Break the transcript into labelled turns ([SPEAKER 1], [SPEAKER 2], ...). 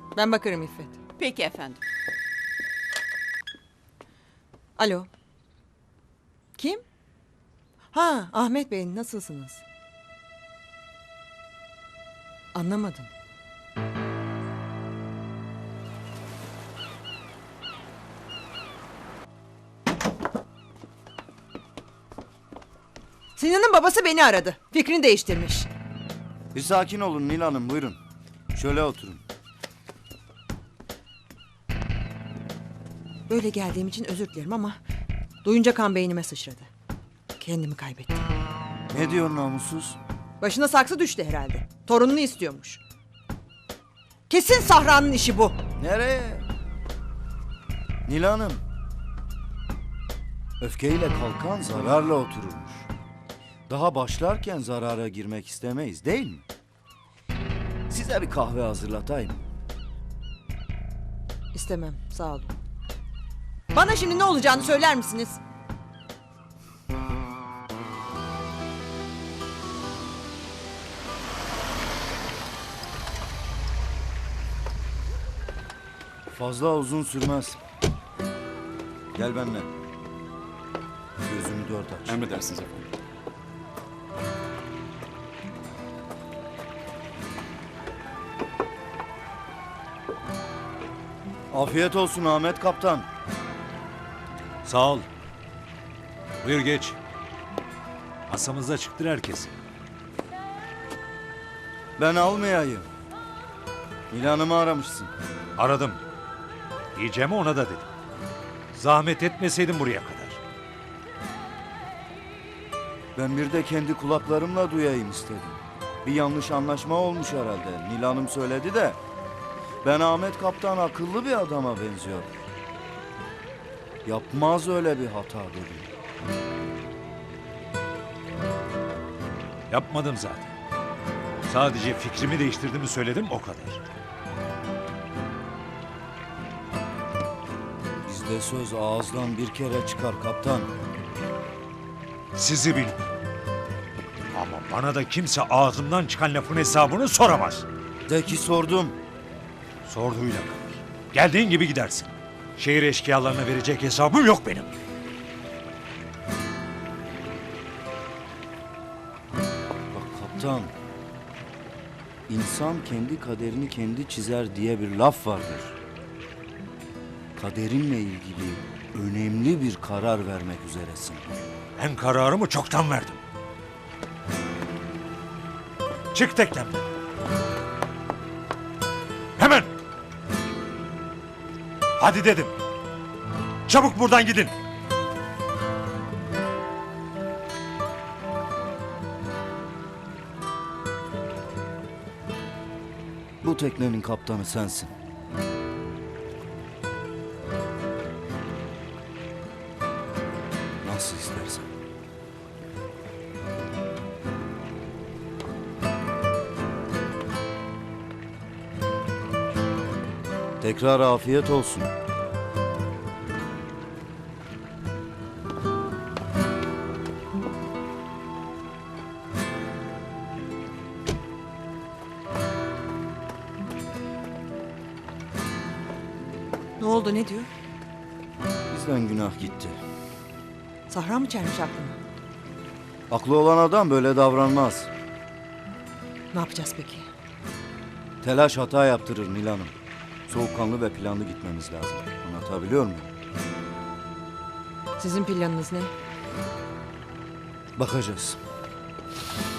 [SPEAKER 1] Ben bakarım İffet.
[SPEAKER 2] Peki efendim.
[SPEAKER 1] Alo. Kim? Ha, Ahmet Bey, nasılsınız? Anlamadım. Sinan'ın babası beni aradı. Fikrini değiştirmiş.
[SPEAKER 3] Bir sakin olun Nil Hanım, buyurun. Şöyle oturun.
[SPEAKER 1] Böyle geldiğim için özür dilerim ama duyunca kan beynime sıçradı. Kendimi kaybettim.
[SPEAKER 3] Ne diyor namussuz?
[SPEAKER 1] Başına saksı düştü herhalde. Torununu istiyormuş. Kesin Sahra'nın işi bu.
[SPEAKER 3] Nereye? Nil Hanım. Öfkeyle kalkan zararla otururmuş. Daha başlarken zarara girmek istemeyiz değil mi? Size bir kahve hazırlatayım.
[SPEAKER 1] İstemem, sağ olun. Bana şimdi ne olacağını söyler misiniz?
[SPEAKER 3] Fazla uzun sürmez. Gel benimle. Gözünü dört aç.
[SPEAKER 4] Emredersiniz efendim.
[SPEAKER 3] Afiyet olsun Ahmet Kaptan.
[SPEAKER 5] Sağ ol. Buyur geç. Masamızda çıktır herkes.
[SPEAKER 3] Ben almayayım. Nil Hanım'ı aramışsın.
[SPEAKER 5] Aradım. Diyeceğimi ona da dedim. Zahmet etmeseydin buraya kadar.
[SPEAKER 3] Ben bir de kendi kulaklarımla duyayım istedim. Bir yanlış anlaşma olmuş herhalde. Nil Hanım söyledi de. Ben Ahmet Kaptan akıllı bir adama benziyor. Yapmaz öyle bir hata dedim.
[SPEAKER 5] Yapmadım zaten. Sadece fikrimi değiştirdiğimi söyledim o kadar.
[SPEAKER 3] Bizde söz ağızdan bir kere çıkar kaptan.
[SPEAKER 5] Sizi bil. Ama bana da kimse ağzımdan çıkan lafın hesabını soramaz.
[SPEAKER 3] De ki sordum.
[SPEAKER 5] Sorduğuyla kalır. Geldiğin gibi gidersin. Şehir eşkıyalarına verecek hesabım yok benim.
[SPEAKER 3] Bak kaptan. İnsan kendi kaderini kendi çizer diye bir laf vardır. Kaderinle ilgili önemli bir karar vermek üzeresin.
[SPEAKER 5] Ben kararımı çoktan verdim. Çık teknemden. Hemen. Hadi dedim. Çabuk buradan gidin.
[SPEAKER 3] Bu teknenin kaptanı sensin. Nasıl istersen. Tekrar afiyet olsun.
[SPEAKER 1] Ne oldu, ne diyor?
[SPEAKER 3] Bizden günah gitti.
[SPEAKER 1] Sahra mı çelmiş aklını?
[SPEAKER 3] Aklı olan adam böyle davranmaz.
[SPEAKER 1] Ne yapacağız peki?
[SPEAKER 3] Telaş hata yaptırır Nil Hanım. Soğukkanlı ve planlı gitmemiz lazım. Anlatabiliyor muyum?
[SPEAKER 1] Sizin planınız ne?
[SPEAKER 3] Bakacağız.